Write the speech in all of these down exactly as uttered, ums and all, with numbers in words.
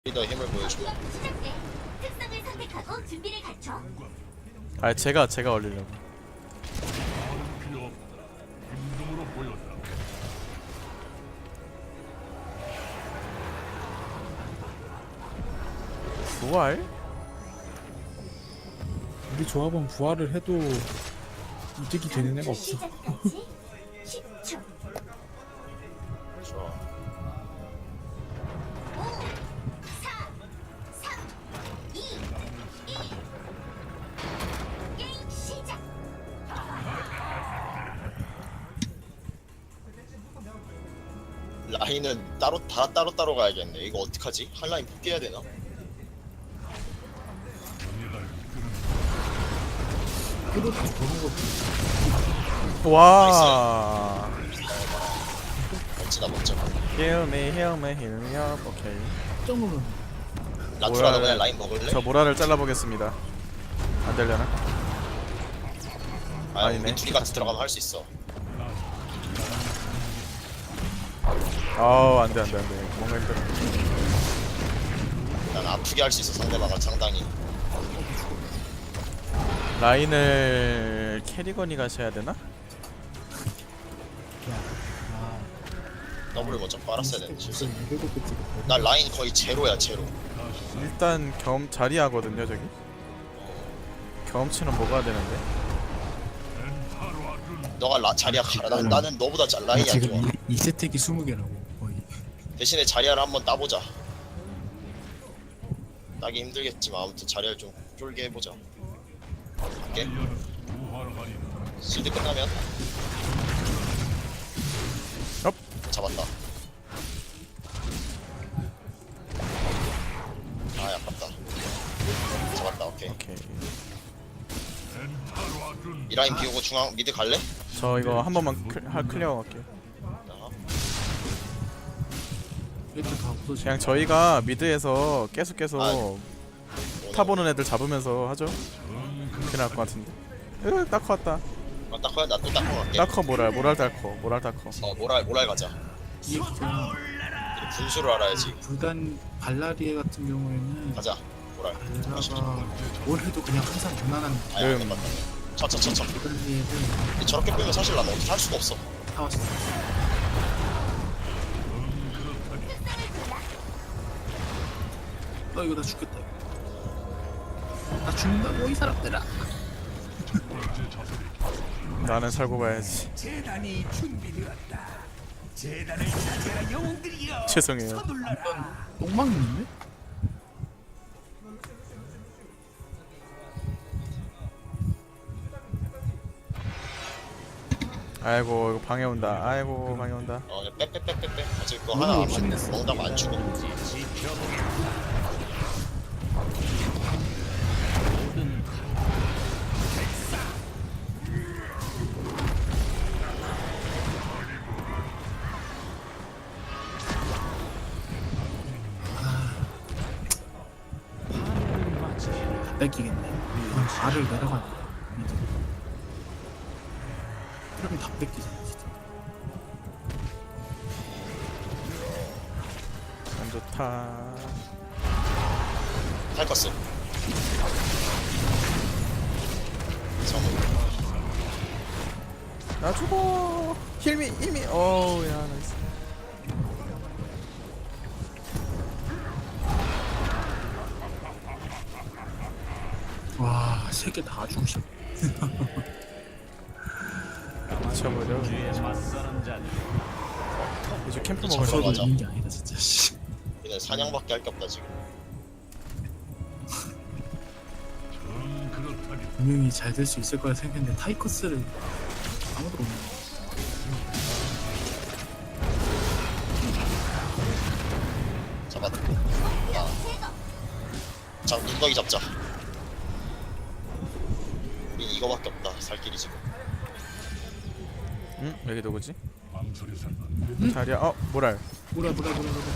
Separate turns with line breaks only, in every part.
더 힘을 보여줘.
특성을 선택하고 준비를 갖춰.
아 제가 제가 올리려고. 부활?
우리 조합은 부활을 해도 이득이 되는 애가 없어.
시작까지 십 초.
좋아.
오, 사, 삼, 이, 일. 게임 시작.
라인은 따로 다 따로 따로 가야겠네. 이거 어떡하지? 한 라인 포기해야 되나?
그렇게 그런 거
와.
멋지다 멋져.
Heal me, heal me, heal me up. 오케이.
점으로
라투라 너
뭐라-
그냥 라인 먹을래?
저 모라를 잘라보겠습니다. 안 되려나?
아
아니네.
우리 둘이 같이 들어가면 할 수 있어.
아우 안돼 안돼 안돼. 뭔가 힘들어.
난 아프게 할 수 있어 상대방을 상당히.
라인을 캐리건이 가셔야 되나?
더블을 먼저 빨았어야 되는데 실수.
이백오 개 찍었거든.
나 라인 거의 제로야 제로.
일단 경험 자리하거든요 저기. 경험치는 뭐가 되는데?
너가 라, 자리야 가라. 난, 나는 너보다 잘 라인이 안 좋아.
지금 이 세택이 스무 개라고 거의.
대신에 자리야를 한번 따보자. 따기 힘들겠지만 아무튼 자리야를 좀 쫄게 해보자. 갈게. 실드 끝나면
업.
잡았다. 아 아깝다. 잡았다. 오케이.
오케이.
이 라인 비우고 중앙 미드 갈래?
저 이거 한 번만 클, 하, 클리어 갈게요.
어.
얘들 다 없어지.
그냥 저희가 미드에서 계속 계속
아,
타보는 애들 잡으면서 하죠. 그렇게 나을 것 같은데. 으, 따커 왔다.
아, 따커야 나 또 따커 갈게.
따커 모랄, 모랄 따커, 모랄 따커.
어 모랄 모랄 가자.
이게 그냥
우리 분수를 알아야지.
불단 발라리에 같은 경우에는
가자 모랄.
발라가 뭘 해도 그냥 항상 무난한
아야
음.
안 맞다. 쳐쳐쳐쳐.
발라리에는
저렇게 빼면 사실 난 어떻게 할 수가 없어.
다 왔어. 너 이거 나 죽겠다. 이거. 나 죽는다고 이 사람들아.
나는 살고 가야지.
재단이 준비되었다. 재단을 찾아라 영웅들이여.
죄송해요.
서둘러라.
똥망 있는데?
아이고 이거 방해 온다. 아이고 방해 온다.
어 빼빼빼빼빼. 어차피 그거
너무
하나 안
욕심냈어.
먹다가 안 죽어.
다 뺏기겠네. 이건 발을 내려가는 거야. 미드. 그러면 다 뺏기잖아 진짜.
안 좋다.
탈커스. 정우.
나 죽어. 힐미 힐미. 어우 야 나이스.
와, 세 개 다 주고 싶어.
미쳐버려. 이제 캠프 먹을
저거
거.
맞아.
있는 게 아니다 진짜. 씨.
얘는 사냥밖에 할 게 없다 지금.
분명히 잘 될 수 있을 거라 생각했는데 타이커스를 아무도 없네.
잡았다. 야. 자 눈덩이 잡자. 우린 이거밖에 없다. 살 길이 지금.
응? 여기 누구지? 자리야. 어 모랄.
뭐라 뭐라 뭐라 뭐라.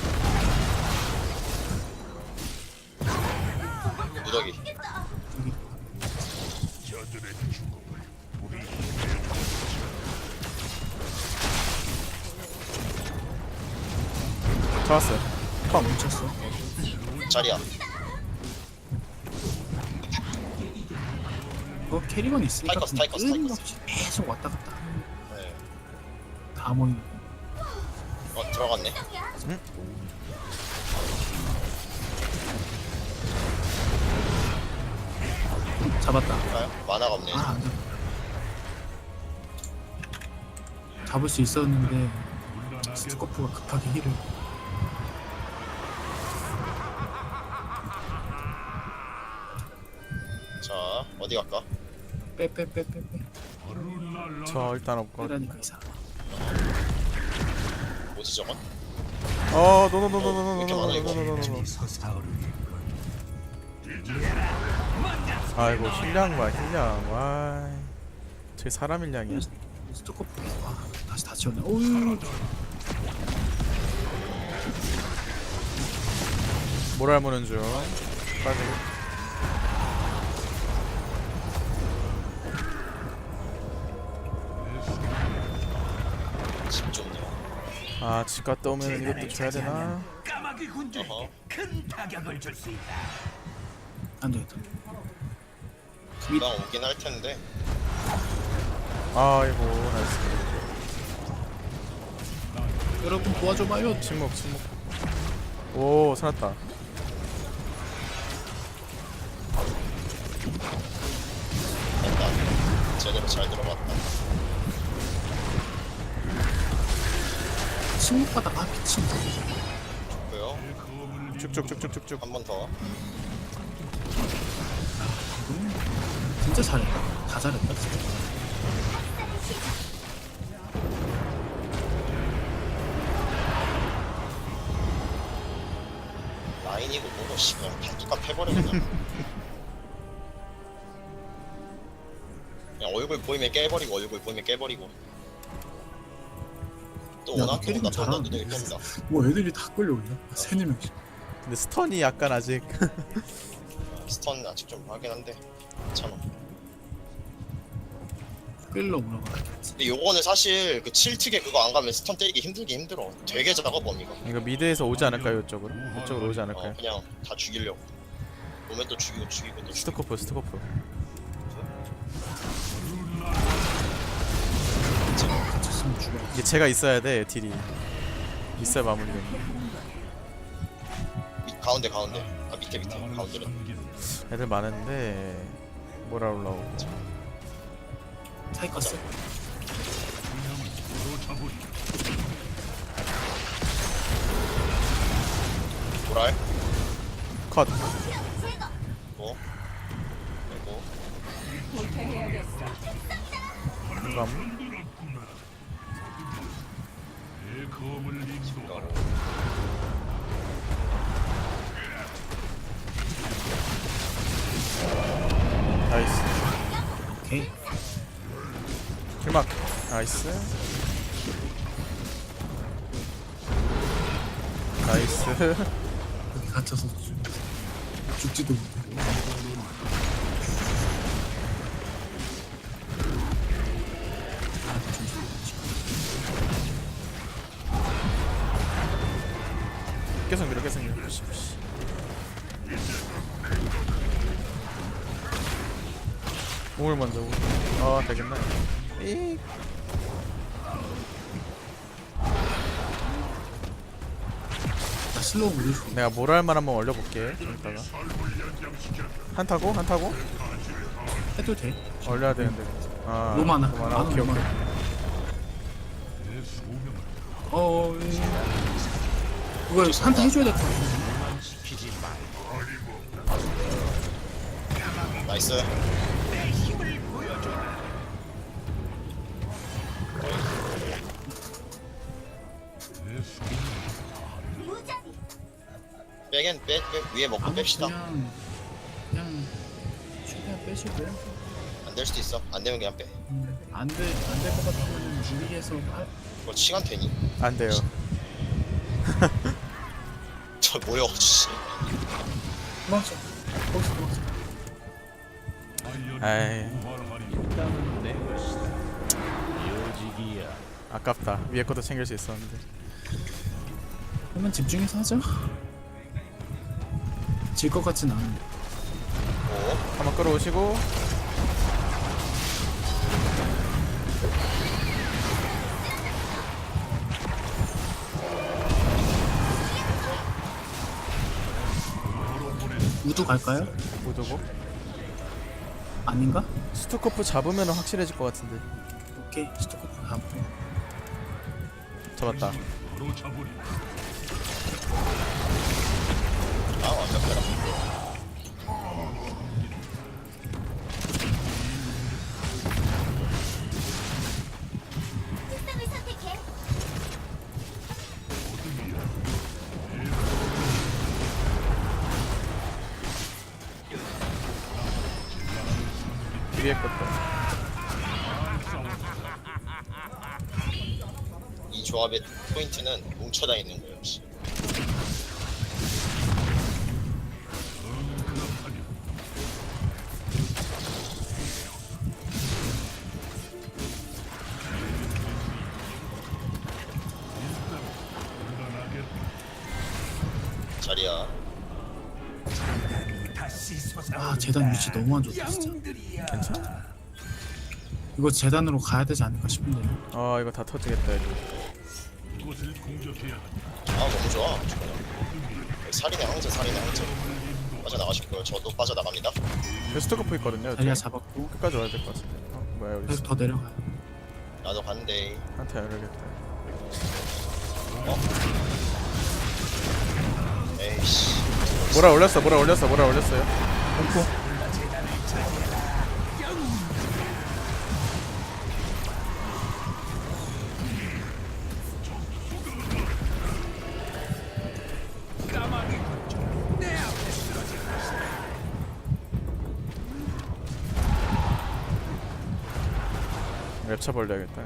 무더기.
잡았어요.
아 멈췄어.
자리야.
어 캐리건 있으니까
타이커스, 타이커스,
끊임없이 계속 왔다 갔다
네.
다 모이고.
어 들어갔네.
잡았다.
가요? 만화가 없네.
아 안돼. 잡을 수 있었는데 스코프가 급하게 힐을.
자 어디 갈까?
빼빼빼빼빼.
저 일단 없고.
빼라니까 이상.
뭐지 저건?
어,
왜 이렇게 많아, 이거?
노노노노노노노노노노노노.
솟아오르는
아이고 힐량 봐 힐량. 와. 저게 사람 힐량이야.
스코프 계속. 아 다시 다 지웠네. 오유.
모랄 무는 중. 빠지고.
집 좋네.
아, 집 갔다 오면 이것도 줘야 되나?
까마귀 군주에게
어허.
큰 타격을 줄 수 있다.
안 되겠다.
금방 오긴 할 텐데.
아이고 나이스.
여러분 도와줘봐요.
침묵 침묵. 오 살았다.
됐다. 제대로 잘 들어갔다.
침묵바닥 아 미친.
고요.
쭉쭉쭉쭉쭉쭉.
한 번 더.
진짜 잘했다. 다 잘했다 진짜.
라인이고 뭐고 씨 그냥 다 똑같아 해버려 그냥. 그냥 얼굴 보이면 깨버리고 얼굴 보이면 깨버리고. 또
야,
오나?
너
또
캐릭터
온다 또 온다
잘하는데.
눈이 뜬다.
뭐 애들이 다 끌려오냐? 세네 명씩.
근데 스턴이 약간 아직.
스턴 아직 좀 하긴 한데 괜찮아.
끌러 올라가.
근데 요거는 사실 그 칠 특에 그거 안 가면 스턴 때리기 힘들기 힘들어. 되게 작아 범위가.
이거 미드에서 오지 않을까요 이쪽으로? 이쪽으로 오지
어
않을까요?
그냥 다 죽이려고. 오면 또 죽이고 죽이고 또 죽이고.
스토커프 스토커프.
갇혔으면 죽어.
이게 제가 있어야 돼 딜이. 있어야 마무리돼.
밑 가운데 가운데. 아 밑에 밑에 가운데로.
애들 많은데 뭐라 올라오고.
타이커스.
도랄.
컷.
제거.
뭐. 그리고
감.
가로.
나이스.
오케이.
길막. 나이스. 나이스.
여기 갇혀서 죽- 죽지도 못해. 아, 좀
계속 밀어 계속 밀어. 몸을 먼저. 아 되겠네. 이.
나 슬로우 물리고.
내가 모랄만 한번 올려볼게. 좀 이따가. 한타고 한타고
해도 돼.
올려야 되는데. 아
로마나.
로마나.
나는
오케이 오케이.
로마나. 어, 예. 이거 한타 해줘야 될 것 같은데.
나이스.
무자비.
빼긴 빼, 빼 위에 먹고
아무
뺍시다.
그냥 그냥 최대한 빼시고요.
안 될 수도 있어. 안 되면 그냥 빼.
음, 안돼 안 될 것 같으면 무리해서 할.
뭐 시간 되니?
안 돼요.
저 뭐야? 씨.
도망쳐. 거기서 도망쳐.
에이
일단은 내 것이다. 요직이야.
아깝다. 위에 것도 챙길 수 있었는데.
그러면 집중해서 하죠. 질 것 같진 않은데.
오.
한번 끌어오시고
우두 갈까요?
오도고
아닌가?
스투코프 잡으면 확실해질 것 같은데.
오케이 스토커프 가고.
잡았다.
아 완벽하다.
특성을 선택해.
위에 것도.
이 조합의 포인트는 뭉쳐다니는 거예요. 역시. 자리야.
다시 솟아.
아 재단 위치 너무 안 좋다 진짜.
영들이야.
괜찮아?
이거 재단으로 가야 되지 않을까 싶은데요.
아 이거 다 터지겠다 이거.
아 너무 좋아. 좋아요. 살인의 황제 살인의 황제. 빠져나가실 거예요. 저도 빠져나갑니다.
여기 스투코프 있거든요. 이쪽에.
자리야 잡았고.
끝까지 와야 될 것 같은데. 어, 뭐야 여기
계속
있어.
더 내려가요.
나도 간대.
한테 열겠다.
어? 에이씨.
뭐라 올렸어 뭐라 올렸어 뭐라 올렸어요.
공포.
까마귀 군주 내 앞에 쓰러질 것이다.
랩차 벌려야겠다.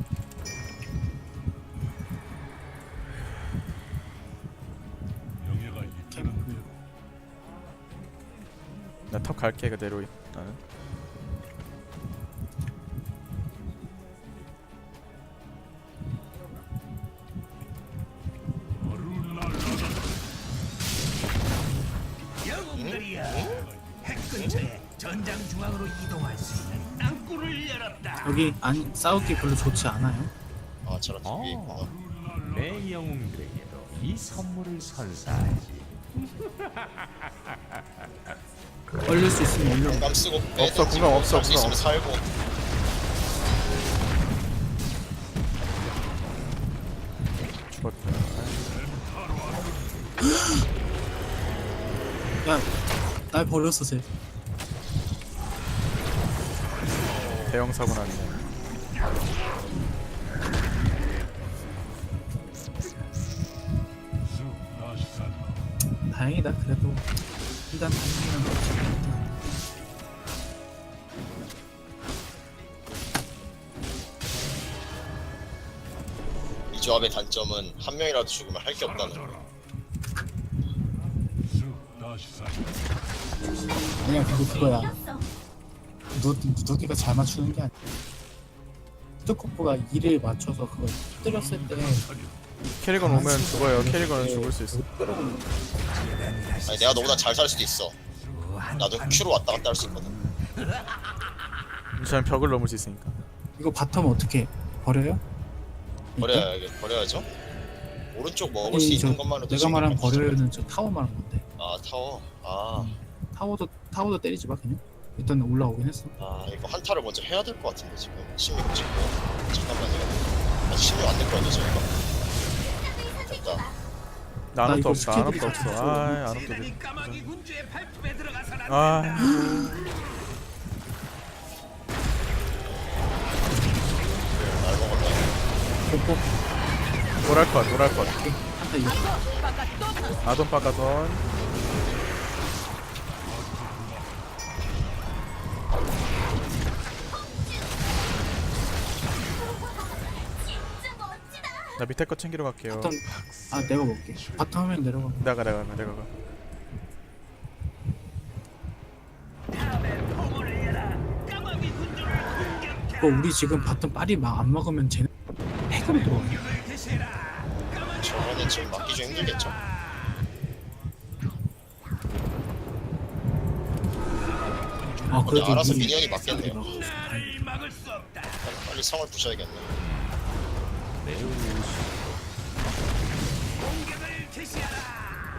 캠프.
나 턱 갈게 그대로 나는.
영웅들이야. 핵 근처에 전장 중앙으로 이동할 수 있는 땅굴을 열었다.
여기 안 싸우기 별로 좋지 않아요.
아 저런 위에 있구나.
내 영웅들에게도 이 선물을 선사하지.
얼릴 수 있으면 얼려.
공감 쓰고
없어, 공감 없어,
살수 있으면
공감
살고.
죽었다.
야, 날 버렸어 쟤.
대형 사고 났네.
다행이다 그래도. 일단 다행이란 거지.
이 조합의 단점은 한 명이라도 죽으면 할 게 없다는 거.
아니야 그거 그거야.
이겼어.
누 누기가 잘 맞추는 게 아니야. 스토커프가 일을 맞춰서 그걸 때렸을 때
캐리건 오면 죽어요. 캐리건은 죽을 수 있어.
아니 내가 너보다 잘 살 수도 있어. 나도 큐로 왔다 갔다 할 수 있거든.
저는 벽을 넘을 수 있으니까.
이거 바텀 어떻게 버려요?
버려야 버려야죠. 오른쪽 먹을 수
아니,
있는
저
것만으로도
내가
지금
말한
깜짝
버려요는 저 타워 말한 건데.
아 타워. 아,
타워도 타워도 때리지 마 그냥. 일단 올라오긴 했어.
아 이거 한타를 먼저 해야 될 것 같은데 지금 십육 찍고 잠깐만요. 아직 십육 안 됐거든요 저희가. 됐다.
나
나
아무것도
이거
없어. 아무것도
스킬들이
없어.
다
아 아무것도 없어.
이 까마귀 군주의 발톱에 들어가선 안
아
날 먹었네.
공포.
노랄 것 노랄 것.
한타 이거.
아돈 빠가돈.
진짜 멋지다.
나 밑에 거 챙기러 갈게요.
바텀. 아 내가 먹게. 바텀 하면 내려가.
내가 내가 가 내가 가.
까마귀 군주를 공격해.
그거 우리 지금 바텀 빨리 막 안 먹으면 쟤네 핵으로 들어와.
공격을 개시해라. 까마귀
저거는 지금 막기 좀 힘들겠죠.
아
근데
그래도
알아서
미리
미니언이 맞겠네요.
막았어. 다행이다.
막을 수 없다.
빨리, 빨리 성을 부셔야겠네.
공격을 개시하라.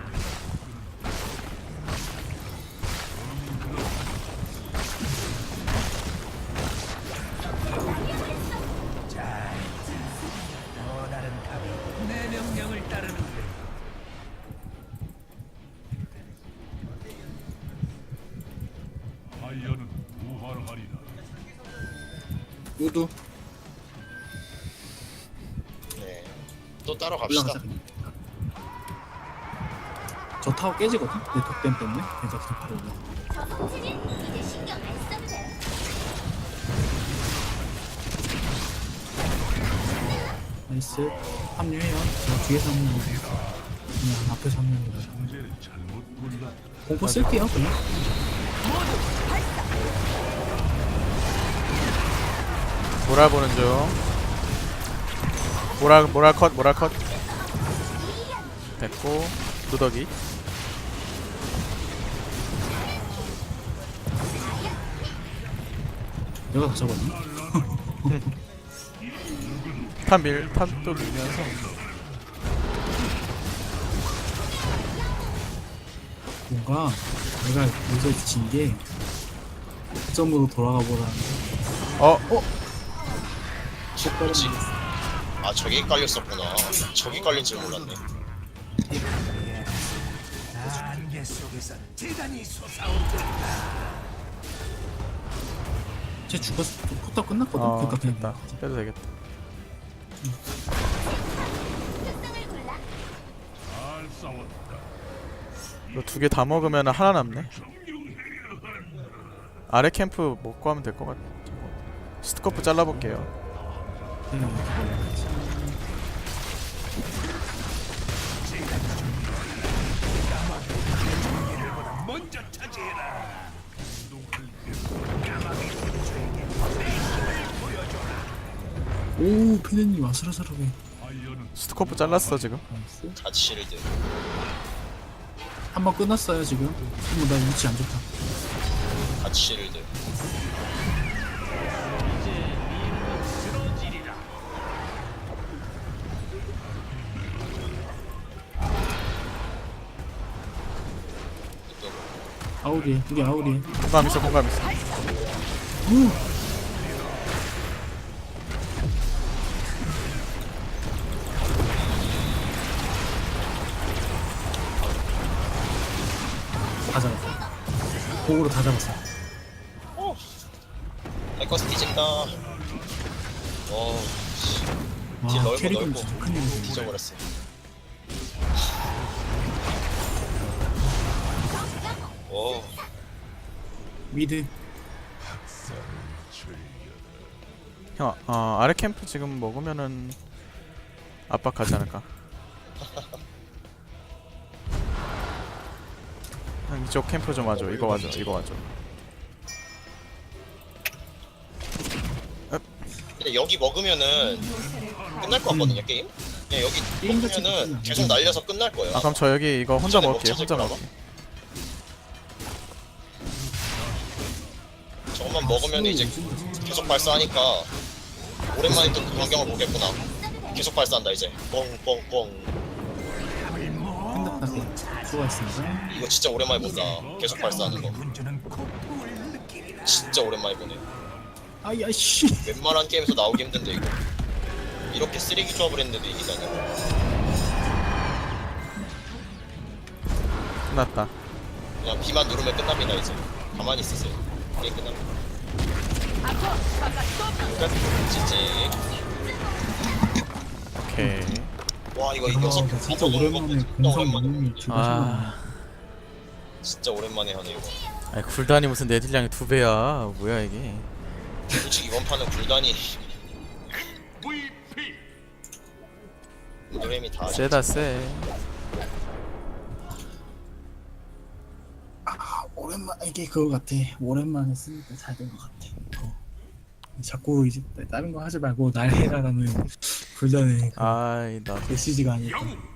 자, 또 다른 갑이 내 명령을 따르는데.
아이언은 부활하리라.
우두
네. 또 따러 갑시다.
올라가자 그냥. 저 타워 깨지거든? 내 덕댐 때문에. 그래서 그냥 바로 올라가.
저성치진 이제 신경 안 써도 돼.
나이스. 합류해요. 저 뒤에서 합류. 그냥 앞에서 합류입니다.
형제를 잘못 골라.
공포 쓸게요 그냥.
모랄 보는 중. 모랄 모랄 컷 모랄 컷. 됐고 누더기.
내가 다 잡았니?
탑밀 탑도 밀면서.
뭔가 내가 여기서 진게 점으로 돌아가 보라는
어 어.
뭐지? 아 저기 깔렸었구나. 저기 깔린 줄 몰랐네.
안개 속에서 대단히 솟아오른다.
쟤 죽었어. 포탑 끝났거든.
어
그러니까 그냥
됐다. 빼도 되겠다.
특성을 골라.
잘 싸웠다.
이거 두 개 다 먹으면 하나 남네. 아래 캠프 먹고 하면 될 것 같아. 스티커프 잘라볼게요.
그냥
먼저 차지해라.
오 피디님 아슬아슬하게.
아이언은
스티커프 잘랐어 지금.
나이스.
갓 실드.
한 번 끝났어요 지금. 어머 나 위치 안 좋다.
갓 실드.
아우리에 우리 아우리에.
공감 있어 공감 있어.
오. 다 잡았어. 공으로 다 잡았어.
랭커스 뒤진다. 어, 씨. 딜
와
넓어,
캐릭은
넓어.
진짜 큰일이네.
뒤져버렸어. 오,
미드.
형, 어, 아래 캠프 지금 먹으면은 압박하지 않을까? 형 이쪽 캠프 좀 와줘. 이거 와줘. 이거 와줘.
근데 여기 먹으면은 끝날 것 같거든요, 게임? 그냥 여기
게임 자체가
먹으면은
끝나.
계속 날려서 끝날 거예요.
아 그럼 저 여기 이거 혼자
전에
먹을게요.
먹자,
혼자
저기
먹을게.
저것만 먹으면 이제 계속 발사하니까 오랜만에 또 그 광경을 보겠구나. 계속 발사한다 이제. 뻥뻥뻥.
끝났다. 수고하셨습니다.
이거 진짜 오랜만에 본다. 계속 발사하는 거.
군주는 고통을 느끼리라.
진짜 오랜만에 보네.
아야 씨.
웬만한 게임에서 나오기 힘든데 이거. 이렇게 쓰레기 조합을 했는데도 이기다니.
끝났다.
그냥 B만 누르면 끝납니다 이제. 가만히 있으세요. 게임 끝납니다. 끝. 지지.
오케이.
와 이거
아,
이겨서
나 진짜
먹는 거
오랜만에
진짜
공성
오랜만에.
이름이 죽어.
아,
진짜 오랜만에 하네 이거.
아니 굴단이 무슨 내 딜량이 두 배야. 뭐야 이게?
솔직히 이번 판은 굴단이 노래미 다
세다 세.
아, 오랜만 이게 그거 같아. 오랜만에 쓰니까 잘 된 것 같아. 어. 자꾸 이제 다른 거 하지 말고 날 해라라는 불단의 그
아이 나
메시지가 아닐까.